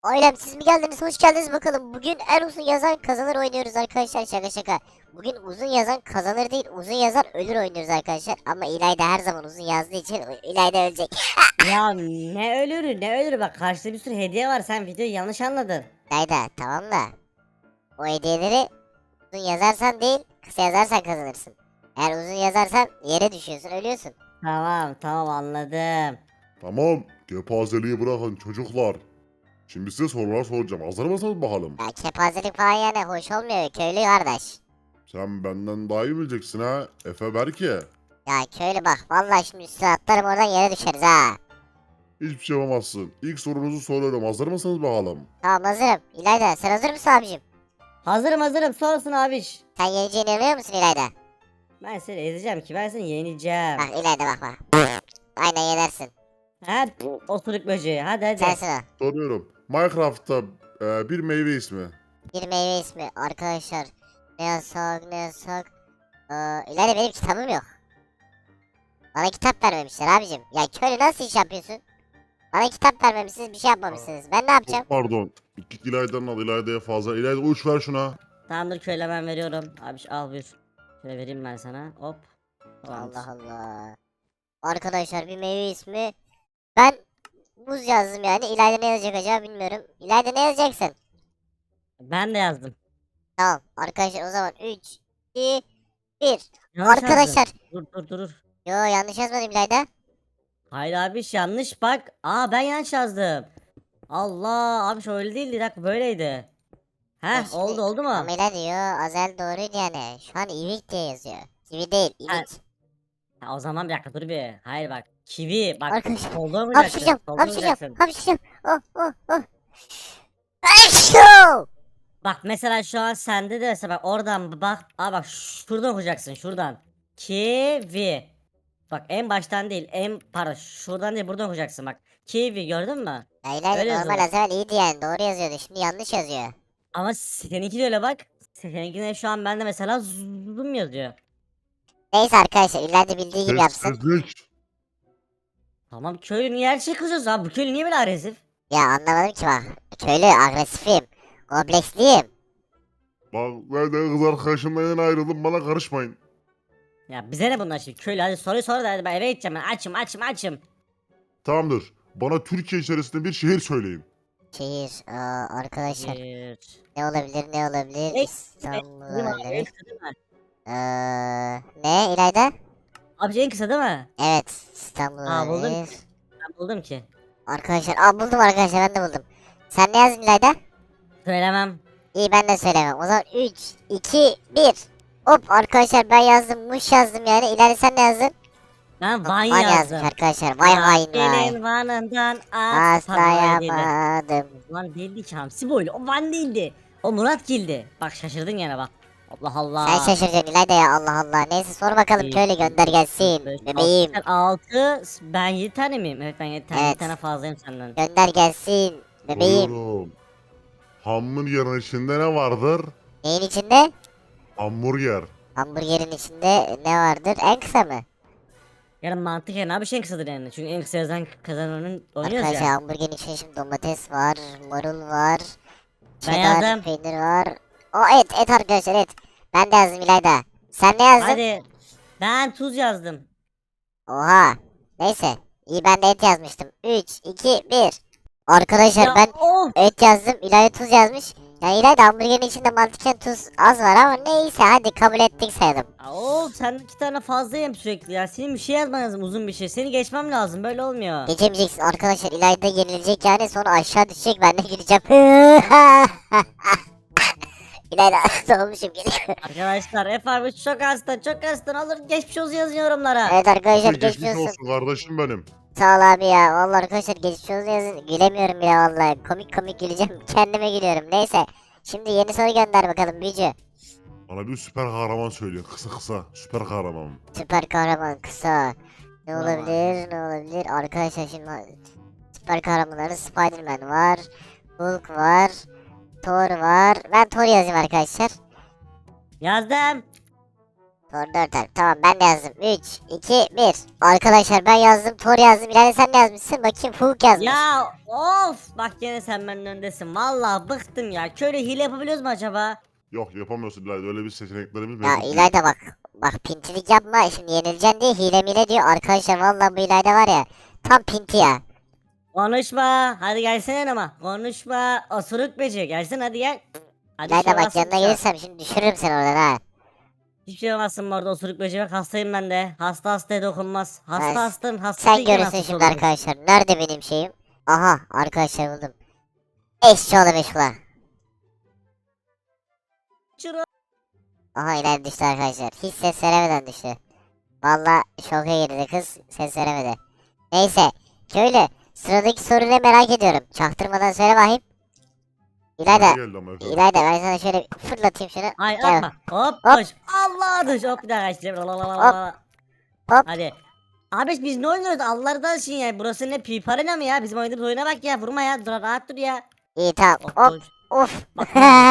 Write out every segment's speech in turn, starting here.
Ailem siz mi geldiniz? Hoş geldiniz bakalım. Bugün en uzun yazan kazanır oynuyoruz arkadaşlar. Şaka şaka. Bugün uzun yazan kazanır değil, uzun yazan ölür oynuyoruz arkadaşlar. Ama İlayda her zaman uzun yazdığı için İlayda ölecek. Ya ne ölürü bak karşıda bir sürü hediye var, sen videoyu yanlış anladın. İlayda tamam da o hediyeleri uzun yazarsan değil, kısa yazarsan kazanırsın. Eğer uzun yazarsan yere düşüyorsun, ölüyorsun. Tamam anladım. Tamam, gepazeliği bırakın çocuklar. Şimdi size sorular soracağım. Hazır mısınız bakalım? Ya kepazelik falan yani hoş olmuyor köylü kardeş. Sen benden daha iyi bileceksin ha, Efe Berke. Ya köylü bak vallahi şimdi üstüne atlarım oradan yere düşeriz ha. Hiçbir şey yapamazsın. İlk sorunuzu soruyorum. Hazır mısınız bakalım? Tamam hazırım. İlayda sen hazır mısın abicim? Hazırım sonrasın abiş. Sen yeneceğine inanıyor musun İlayda? Ben seni ezeceğim ki, ben seni yeneceğim. Bak İlayda bak. Aynen yenersin. Ha osuruk böceği, hadi. Sensin o. Soruyorum. Minecraft'ta bir meyve ismi. Bir meyve ismi arkadaşlar. Ne yasak ne yasak. İlayda benim kitabım yok. Bana kitap vermemişler abicim. Ya köylü nasıl iş yapıyorsun? Bana kitap vermemişsiniz bir şey yapmamışsınız. Ben ne yapacağım? Çok pardon. İki İlayda'nın adı İlayda'ya fazla. İlayda uç ver şuna. Tamamdır köyle, ben veriyorum. Abiş al buyur. Şöyle vereyim ben sana, hop. Tamamdır. Allah Allah. Arkadaşlar bir meyve ismi. Ben buz yazdım yani. İlayda ne yazacak acaba bilmiyorum. İlayda ne yazacaksın? Ben de yazdım. Tamam arkadaşlar o zaman 3, 2, 1. Yanlış Arkadaşlar. yazdım. Dur. Yo yanlış yazmadım İlayda. Hayır abiş, yanlış bak. Ben yanlış yazdım. Allah abiş, öyle değildi, bir dakika böyleydi. Ya Heh, şimdi oldu mu? Amela diyor. Azel doğruydu yani. Şu an ivik diye yazıyor. Kivi değil Ha, ivik. o zaman bir dakika dur bir. Hayır bak. Kivi bak. Arkadaşlar. Solda vuracaksın. Hapşıracağım. Solda Hapşıracağım. vuracaksın. Hapşıracağım. Oh. Aşkım. Bak mesela şu an sende de mesela bak oradan bak. Bak şuradan okuyacaksın, şuradan. Kivi. Bak en baştan değil. Pardon, şuradan değil, buradan okuyacaksın bak. Kivi, gördün mü? Ya İlayda Öyle normal yazılır. Azel iyiydi yani. Doğru yazıyordu. Şimdi yanlış yazıyor. Ama seninki de öyle bak. Seninkine şu an bende mesela zoom yazıyor. Neyse arkadaşlar İlayda bildiği gibi yapsın. Sessizlik. Tamam köylü, niye her şey kızıyorsun abi? Bu köylü niye böyle agresif? Ya anlamadım ki bak. Köylü agresifim. Kompleksliyim. Bak ben de kız arkadaşımla yeni ayrıldım. Bana karışmayın. Ya bize ne bunlar şimdi? Köylü hadi soruyu sor da hadi, ben eve gideceğim, ben açım. Tamamdır. Bana Türkiye içerisinde bir şehir söyleyin. Şehir. Arkadaşlar. Bir. Ne olabilir ne olabilir? En İstanbul Değil mi abi? En olabilir. kısa değil mi? Ne İlayda? Abi en kısa değil mi? Evet İstanbul Buldum. olabilir. Ben buldum ki. Arkadaşlar buldum arkadaşlar ben de buldum. Sen ne yazdın İlayda? Söylemem. İyi ben de söylemem. O zaman 3, 2, 1. Hop arkadaşlar ben yazdım. Muş yazdım yani. İlayda sen ne yazdın? Ben Van Van yazmış yazdım. arkadaşlar. Vay hain vay. Gelin Van'ından at. Pardon, öyle değildi. Aslayamadım. Van değildi ki, Hamsi boylu. O Van değildi. O Murat Gildi. Bak şaşırdın gene bak. Allah Allah. Sen şaşıracaksın İlayda ya Allah Allah. Neyse sor bakalım Bir, köylü gönder gelsin. Bebeğim. 6, ben 7 tane miyim? Evet ben 7 tane. Evet. 7 tane fazlayım senden. Gönder gelsin. Bebeğim. Soruyorum. Hamburgerin içinde ne vardır? Neyin içinde? Hamburger. Hamburgerin içinde ne vardır? En kısa mı? Yani mantık yani abi, şey en kısadır yani. Çünkü en kısa yazan kazananın oynuyoruz Arkadaşlar ya. hamburgerin içinde şimdi domates var, marul var, Ben cheddar yazdım. peynir var. Et arkadaşlar et. Ben de yazdım İlayda. Sen ne yazdın? Hadi. Ben tuz yazdım. Oha. Neyse. İyi ben de et yazmıştım. 3, 2, 1. Arkadaşlar Ya ben of. et yazdım. İlayda tuz yazmış. Yani İlayda hamburgerin içinde mantıken tuz az var ama neyse hadi kabul ettik sayalım. Of, sen 2 tane fazlayım sürekli ya. Senin bir şey yazman lazım, uzun bir şey. Seni geçmem lazım, böyle olmuyor. Geçemeyeceksin arkadaşlar. İlayda yenilecek yani sonra aşağı düşecek ben de güleceğim. İlayda olmuşum geliyor. Arkadaşlar F harfi çok hasta olur, geçmiş olsun yazın yorumlara. Evet arkadaşlar Geçmiş geçmiş olsun. olsun kardeşim benim. Sağ ol abi ya. Vallahi arkadaşlar geçmiş olsun yazın. Gülemiyorum bile vallahi. Komik güleceğim. Kendime gülüyorum. Neyse. Şimdi yeni soru gönder bakalım Büyücü. Bana bir süper kahraman söyleyin. Kısa. Süper kahraman. Süper kahraman kısa. Ne Tamam. olabilir? Arkadaşlar şimdi süper kahramanların Spider-Man var. Hulk var. Thor var. Ben Thor yazayım arkadaşlar. Yazdım. Tor 4 harf. Tamam ben de yazdım. 3, 2, 1. Arkadaşlar ben yazdım. Tor yazdım. İlayda sen ne yazmışsın? Bakayım Fuk yazmış. Ya of bak gene sen benden öndesin. Vallahi bıktım ya. Köyle hile yapabiliyoruz mu acaba? Yok yapamıyorsun İlayda. Öyle bir seçeneklerimiz Ya mevcut değil. İlayda bak. Bak pintilik yapma. Şimdi yenileceksin diye hile mile diyor. Arkadaşlar vallahi bu İlayda var ya. Tam pinti ya. Konuşma. Hadi gelsene yanıma. Konuşma. Osuruk böceği. Gelsene hadi gel. Hadi İlayda şey bak olmazsın yanına dışarı. gelirsem şimdi düşürürüm seni oradan ha. Hiçbir şey olmazsın bu arada osuruk böceği. Bak hastayım ben de. Hasta hastaya dokunmaz. Ben- Hasta hastayım. Hasta Sen değilken görürsün hastası şimdi olurum. arkadaşlar. Nerede benim şeyim? Aha arkadaşlar buldum. Eşçoğlu Beşula. Çıra- Aha İlayda düştü arkadaşlar. Hiç ses veremeden düştü. Valla şoka girdi kız. Ses veremedi. Neyse. Köylü. Sıradaki soru ne merak ediyorum. Çaktırmadan söyle bakayım. İlayda. Bana geldi ama efendim. İlayda ben sana şöyle fırlatayım şunu. Ay Gel. atma. Hop Hop. koş. Allah düş. Hop bir daha kaçtı. Hop. Hadi. Abi biz ne oynuyoruz? Allah'tan için ya. Burası ne piparena mı ya? Bizim oynadığımız oyuna bak ya. Vurma ya. Dur rahat dur ya. İyi tamam. Hop Hop. koş. Of. Bak,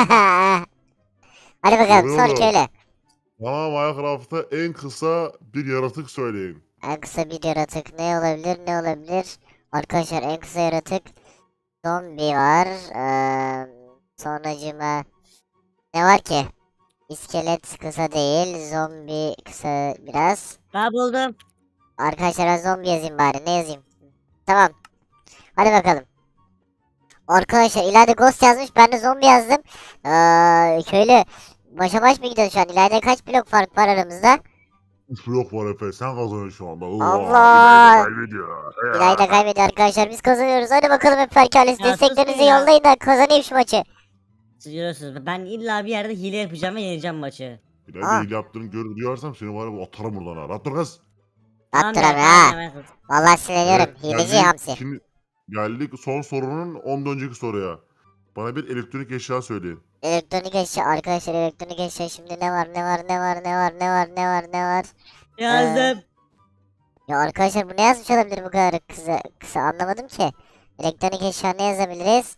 Hadi bakalım sor Soruyorum. köylü. Bana Minecraft'ta en kısa bir yaratık söyleyin. En kısa bir yaratık ne olabilir ne olabilir? Arkadaşlar en kısa yaratık zombi var. Sonracıma ne var ki? İskelet kısa değil. Zombi kısa biraz. Ben buldum. Arkadaşlar ben zombi yazayım bari. Ne yazayım? Tamam. Hadi bakalım. Arkadaşlar ileride ghost yazmış. Ben de zombi yazdım. Köylü. Başa baş mı gidiyoruz şu an? İleride kaç blok fark var aramızda? 3 blok var Efe. Sen kazanıyorsun şu anda. Allah! İlayda kaybediyor. İlayda kaybediyor arkadaşlar. Biz kazanıyoruz. Hadi bakalım hep ailesi. Ya sus Desteklerinizi ya. yollayın da kazanayım şu maçı. Siz görüyorsunuz. Ben illa bir yerde hile yapacağım ve yeneceğim maçı. İlayda hile yaptığını duyarsam seni var ya atarım buradan ha. Rahat dur kız. Attır be, abi ha. tamam, evet. Vallahi sinirleniyorum. Evet, Hileci geldik hamsi. geldik son sorunun ondan önceki soruya. Bana bir elektronik eşya söyleyin. Elektronik eşya arkadaşlar elektronik eşya şimdi ne var ne var ne var ne var ne var ne var ne var. Yazdım. Ya arkadaşlar bu ne yazmış olabilir bu kadar kısa anlamadım ki. Elektronik eşya ne yazabiliriz?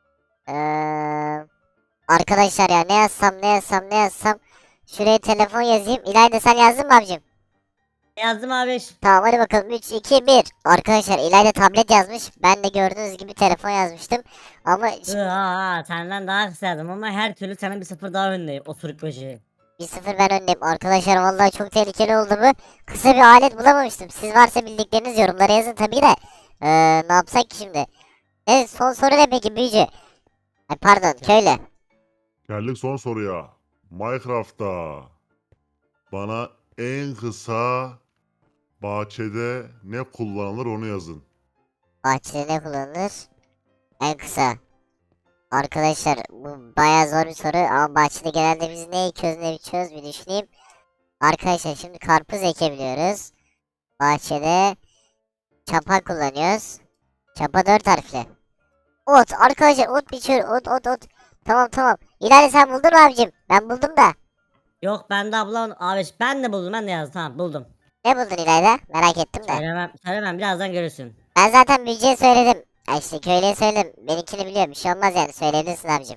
Arkadaşlar ya ne yazsam. Şuraya telefon yazayım. İlayda sen yazdın mı abicim? Yazdım abi. Tamam hadi bakalım 3, 2, 1. Arkadaşlar İlayda tablet yazmış. Ben de gördüğünüz gibi telefon yazmıştım. Ama şimdi Senden daha kısa yazdım ama her türlü senin bir sıfır daha öndeyim. Osuruk böceği. 1-0 ben öndeyim. Arkadaşlar vallahi çok tehlikeli oldu bu. Kısa bir alet bulamamıştım. Siz varsa bildikleriniz yorumlara yazın tabii de. Ne yapsak ki şimdi? Evet son soru ne peki büyücü? Ay pardon köylü. Geldik son soruya. Minecraft'ta bana en kısa bahçede ne kullanılır onu yazın. Bahçede ne kullanılır? En kısa. Arkadaşlar bu bayağı zor bir soru ama bahçede genelde biz ne ekiyoruz ne biçiyoruz bir düşüneyim. Arkadaşlar şimdi karpuz ekebiliyoruz. Bahçede çapa kullanıyoruz. Çapa 4 harfli. Ot arkadaşlar ot biçiyor ot. Tamam. İleride sen buldun mu abicim? Ben buldum da. Yok ben de ablam abi ben de buldum ben de yazdım tamam buldum. Ne buldun İlayda? Merak ettim de. Söylemem birazdan görürsün. Ben zaten büyücüye söyledim. Ay işte köylüye söyledim. Benimkini biliyor. Bir şey olmaz yani. Söyleyebilirsin abicim.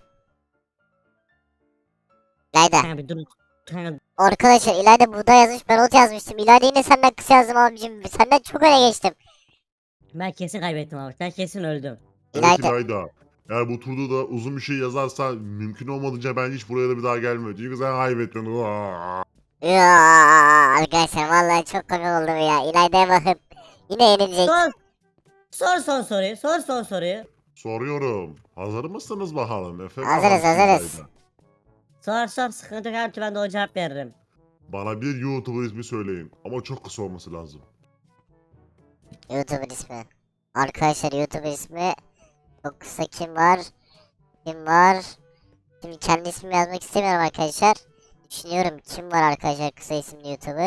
İlayda. Kanka bir dur. Kanka, Arkadaşlar İlayda buğday yazmış. Ben ot yazmıştım. İlayda yine senden kısa yazdım abicim. Senden çok öne geçtim. ben kesin kaybettim abi ben kesin öldüm. Evet İlayda. İlayda. Eğer bu turda da uzun bir şey yazarsan mümkün olmadığınca ben hiç buraya da bir daha gelmiyorum. Çünkü sen kaybettin. Ya, arkadaşlar vallahi çok komik oldu bu ya. İlayda'ya bakın. Yine yenilecek. Sor son soruyu sor son soruyu. Soruyorum. Hazır mısınız bakalım Efe? Hazırız, Bakalım hazırız. Sor sıkıntı yok her türlü ben de o cevap veririm. Bana bir YouTuber ismi söyleyin. Ama çok kısa olması lazım. YouTuber ismi. Arkadaşlar YouTuber ismi. Çok kısa kim var? Kim var? Şimdi kendi ismimi yazmak istemiyorum arkadaşlar. Düşünüyorum kim var arkadaşlar kısa isimli YouTuber.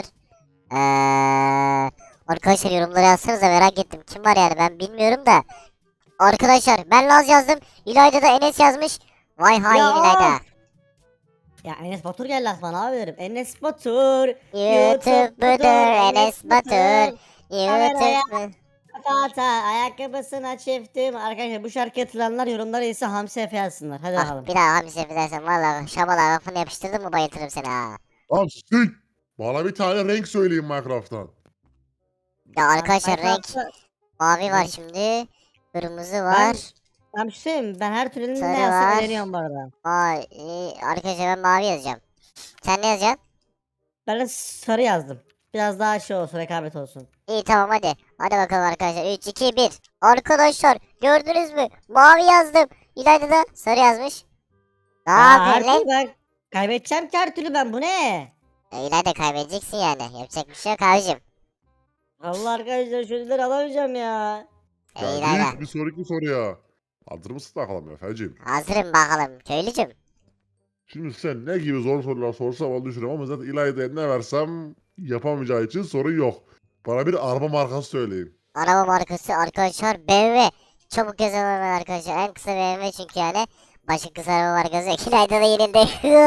Arkadaşlar yorumlara yazsanıza merak ettim. Kim var yani ben bilmiyorum da. Arkadaşlar ben Laz yazdım. İlayda da Enes yazmış. Vay hain Ya! İlayda. Ya Enes Batur geldi aklıma abi derim. Enes Batur. YouTube'dur Enes Batur. YouTube. Fata ayakkabısına çiftim. Arkadaşlar bu şarkıyı hatırlayanlar yorumlara ise Hamsi Efe yazsınlar. Hadi Ah bakalım. bir daha hamsi yapacaksan valla şabala lafını yapıştırdım mı bayıltırım seni ha. Lan sik! Bana bir tane renk söyleyin Minecraft'tan. Ya arkadaşlar renk Minecraft'ta- mavi var Renk- şimdi. Kırmızı var. Ben bir şey söyleyeyim mi? Ben her türlü Sarı ne yazsam var. öğreniyorum bu arada. Vay arkadaşlar ben mavi yazacağım. Sen ne yazacaksın? Ben de sarı yazdım. Biraz daha şey olsun, rekabet olsun. İyi tamam hadi. Hadi bakalım arkadaşlar. 3, 2, 1. Arkadaşlar gördünüz mü? Mavi yazdım. İlayda da sarı yazmış. Ne Ya her yapıyorsun lan? türlü ben kaybedeceğim ki her türlü ben. Bu ne? İlayda kaybedeceksin yani. Yapacak bir şey yok abicim. Allah arkadaşlar şu ödülleri alamayacağım ya. İlayda. Geldik bir sonraki soruya. Hazır mısın bakalım Efe'cim? Hazırım bakalım köylücüm. Şimdi sen ne gibi zor sorular sorsam onu düşünüyorum ama zaten İlayda'ya ne versem yapamayacağı için sorun yok. Bana bir araba markası söyleyin. Araba markası arkadaşlar BMW. Çabuk yazalım hemen arkadaşlar. En kısa BMW çünkü yani. Başı kısa araba markası. İlayda da yenildi.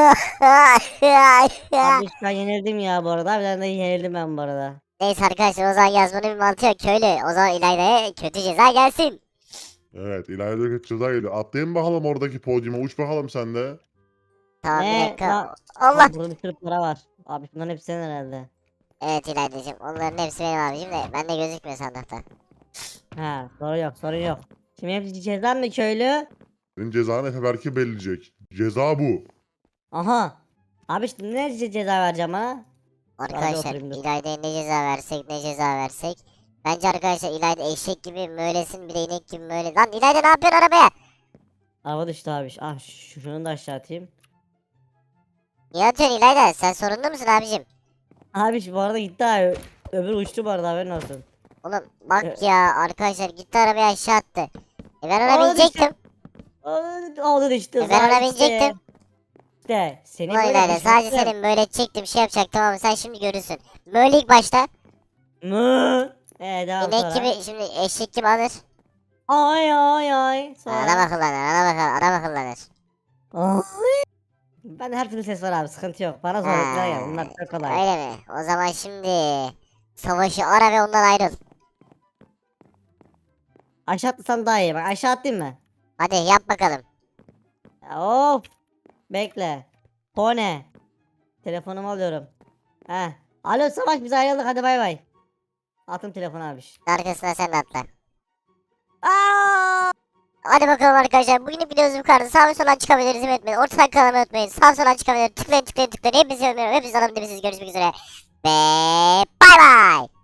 Abi ben yenildim ya bu arada. Bir tane de yenildim ben bu arada. Neyse arkadaşlar o zaman yazmanın bir mantığı yok köylü. O zaman İlayda'ya kötü ceza gelsin. Evet İlayda kötü ceza geliyor. Atlayın bakalım oradaki podyuma uç bakalım sen de. Tamam bir Ne? dakika. Lan- Allah. Abi burada bir sürü para var. Abi bunların hepsi senin herhalde. Evet İlayda'cığım onların hepsi benim abicim de bende gözükmüyor sandıkta. Ha, sorun yok, sorun yok. Şimdi hepsi cezam mı köylü? Senin cezanı Efe belki belirleyecek. Ceza bu. Aha. Abi şimdi ne ceza vereceğim ha? Arkadaşlar oturayım dur. İlayda'ya ne ceza versek ne ceza versek. Bence arkadaşlar İlayda eşek gibi mölesin bir de inek gibi möle. Lan İlayda ne yapıyorsun arabaya? Araba düştü abi. Ah şunu da aşağı atayım. Niye atıyorsun İlayda sen sorunlu musun abicim? Abi bu arada gitti abi. Öbür uçtu bu arada haberin olsun. Oğlum bak Evet. ya arkadaşlar gitti arabaya aşağı attı. Ben ona Aa, binecektim. Oldu düştü. Ben ona zaten binecektim. İşte seni Ulan böyle İlayda sadece düşürttüm. senin böyle çektim şey yapacaktım ama sen şimdi görürsün. Böyle ilk başta Mı? Devam inek sonra. gibi şimdi eşek gibi alır. Ay ay ay. Sonra. Araba kullanır araba kullanır. Ay. Ben her türlü ses var abi sıkıntı yok. Bana zorluklar gel. Bunlar çok kolay. Öyle mi? O zaman şimdi savaşı ara ve ondan ayrıl. Aşağı atlasam daha iyi. Bak aşağı atlayayım mı? Hadi yap bakalım. Ya, of. Bekle. O ne? Telefonumu alıyorum. He. Alo Savaş biz ayrıldık hadi bay bay. Atın telefonu abi. Arkasına sen de atla. Aa! Hadi bakalım arkadaşlar. Bugünlük videomuz bu kadar. Sağ ve soldan çıkabiliriz. İzin etmeyin. Ortadan kanalıma unutmayın. Sağ soldan çıkabilir. Tıklayın tıklayın tıklayın. Hepinizi öpüyorum. Hepinizi alın. Görüşmek üzere. Ve bay bay.